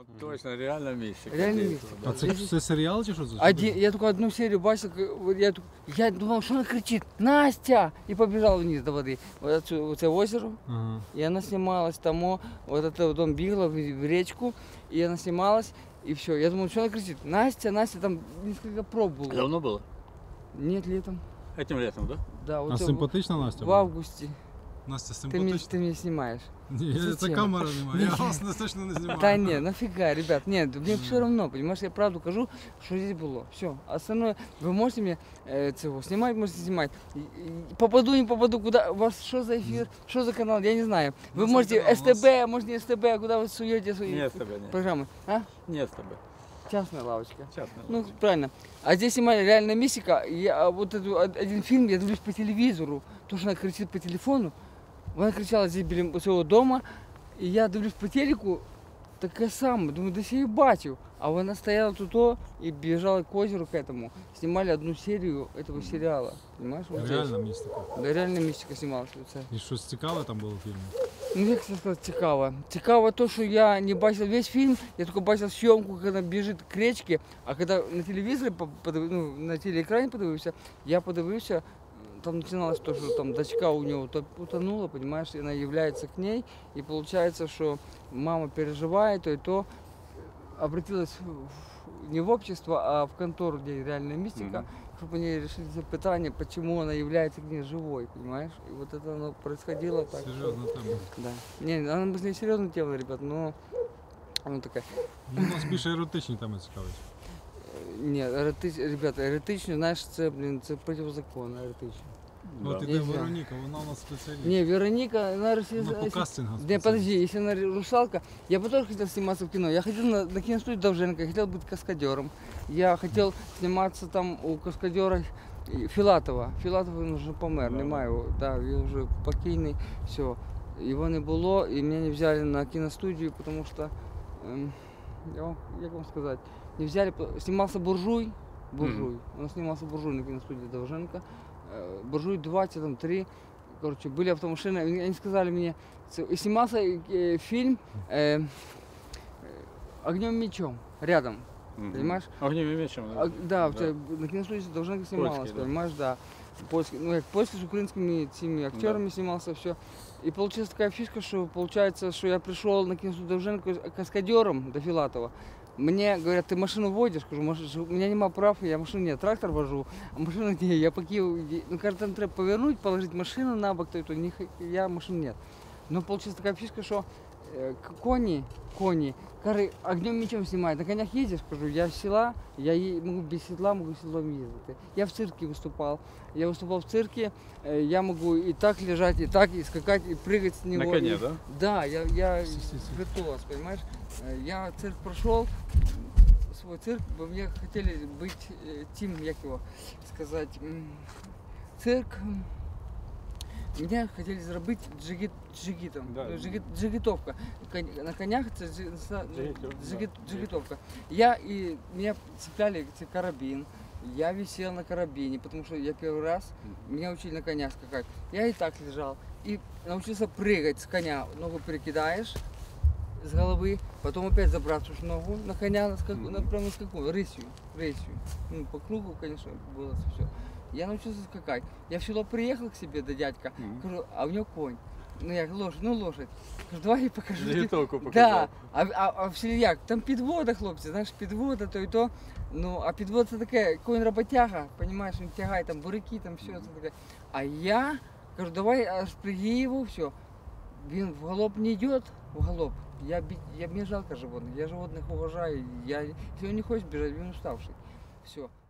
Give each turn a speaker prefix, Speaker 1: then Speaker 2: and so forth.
Speaker 1: Вот точно, реально мистика.
Speaker 2: Реально містика.
Speaker 3: А це серіал чи що це?
Speaker 2: Я только одну серию бачил, я думал, что она кричит: Настя! И побежал вниз до воды. Вот это озеро.
Speaker 3: Ага.
Speaker 2: И она снималась там, вот это вот он бегала в речку, и она снималась, и все. Я думал, что она кричит: Настя, Настя, там несколько проб было.
Speaker 1: Давно было?
Speaker 2: Нет, летом.
Speaker 1: Этим летом, да?
Speaker 2: Да,
Speaker 3: А
Speaker 2: вот
Speaker 3: симпатична Настя
Speaker 2: в
Speaker 3: була?
Speaker 2: августе.
Speaker 3: Настя
Speaker 2: Ты
Speaker 3: симпатична?
Speaker 2: меня снимаешь.
Speaker 3: Ні, це
Speaker 2: Зачем?
Speaker 3: камера немає, я вас точно не знімаю.
Speaker 2: Да не, нафига, ребят, нет, мне все равно, понимаешь, я правду кажу, что здесь было. Все, остальное, вы можете мне снимать, можете снимать. Попаду, не попаду, куда, у вас что за эфир, что за канал, я не знаю. Вы можете СТБ, может не СТБ, а куда вы суете свои
Speaker 1: Нет СТБ, нет.
Speaker 2: программы, а?
Speaker 1: Нет СТБ.
Speaker 2: Частная лавочка.
Speaker 1: Частная
Speaker 2: Ну,
Speaker 1: лавочка.
Speaker 2: правильно. А здесь снимали реальная мистика. Я вот один фильм, я дивлюсь по телевизору, то, что она кричит по телефону. Она кричала здесь біля своего дома, и я дивлюсь по телеку, таке саме, думаю, десь я її бачив. А вона стояла тут и бежала к озеру к этому. Снимали одну серию этого сериала, понимаешь? Вот
Speaker 3: Реальна
Speaker 2: здесь.
Speaker 3: містика.
Speaker 2: Да, реальна містика знімалась.
Speaker 3: І щось цікаве там було в фільмі?
Speaker 2: Ну, як це сказати, цікаво. Цікаво то, що я не бачив весь фильм, я только бачив съемку, когда бежит к речке, а когда на телевизоре, ну, на телеэкране подивився, я подивився, там начиналось то, что там дочка у него утонула, понимаешь, и она является к ней, и получается, что мама переживает, то обратилась не в общество, а в контору, где реальная мистика, чтобы они решили запытание, почему она является к ней живой, понимаешь? И вот это оно происходило так.
Speaker 3: Серйозна тема.
Speaker 2: Да. Не, она не серьезная тема, ребят, но она такая.
Speaker 3: Ну, у нас більше еротичні теми цікавить.
Speaker 2: Ні, ребята, еретично, знаєш, це, це противозаконно, еретично.
Speaker 3: От
Speaker 1: Да.
Speaker 3: іде
Speaker 2: Нельзя.
Speaker 3: Вероніка, вона у нас спеціаліст.
Speaker 2: Не, Вероника, она
Speaker 3: Вона по кастингам
Speaker 2: Не,
Speaker 3: спеціаліст.
Speaker 2: подожди, если она русалка, я бы тоже хотел сниматься в кино. Я хотел на киностудию Довженко, я хотел быть каскадером. Я хотел сниматься там у каскадера Филатова. Филатов він вже помер,
Speaker 1: Да.
Speaker 2: немає його, да, він вже покійний, все. Його не було, і мене не взяли на киностудию, потому что, як вам сказать, не взяли, снимался Буржуй, он снимался Буржуй на киностудии Довженко. Буржуй 2, там 3, короче, были автомашины, они сказали мне, и снимался фильм «Огнем и мечом» рядом, понимаешь?
Speaker 1: Огнем и мечом.
Speaker 2: Да, на киностудии Довженко снималось,
Speaker 1: Польский, да.
Speaker 2: понимаешь, да. Польский, ну, как польский с украинскими этими актерами снимался, все. И получилась такая фишка, что получается, что я пришел на киностудию Довженко каскадером до Филатова. Мне говорят, ты машину водишь? Скажу, у меня нема прав, я машину нет, трактор вожу, а машину не, я покинул, ну, кажется, там треба повернуть, положить машину на бок, то я машину нет. Но получилась такая фишка, что кони, огнем мечом снимают, на конях ездишь, скажу, я с села, я могу без седла, могу седлом ездить. Я в цирке выступал, в цирке, я могу и так лежать, и так, и скакать, и прыгать с него.
Speaker 1: На коне, да?
Speaker 2: Да, я виртуоз, понимаешь? Я цирк прошел, свой цирк, бы мне хотели быть как его сказать, цирк, меня хотели заработать джигитом,
Speaker 1: Да.
Speaker 2: джигитовка, на конях это джигитовка. Меня цепляли карабин, я висел на карабине, потому что я первый раз, меня учили на коня скакать, я и так лежал, и научился прыгать с коня, ногу перекидаешь с головы, потом опять забраться ногу на коня, прямо на скаку, рысью, ну, по кругу, конечно, было все. Я научился скакать. Я в село приехал к себе до дядька, говорю, а у него конь. Ну я лошадь. Кажу, давай я покажу.
Speaker 1: Заготовку
Speaker 2: Да,
Speaker 1: показав.
Speaker 2: а в селі як? Там підвода, хлопці, знаєш, підвода, то і то. Ну, а підвода це таке, конь роботяга, розумієш, він тягає там буряки, там все це таке. А я кажу, давай аж приги його, все. Він в галоп не йде, в галоп. Мне жалко животных, я животных уважаю. Если он не хочет бежать, он уставший. Все.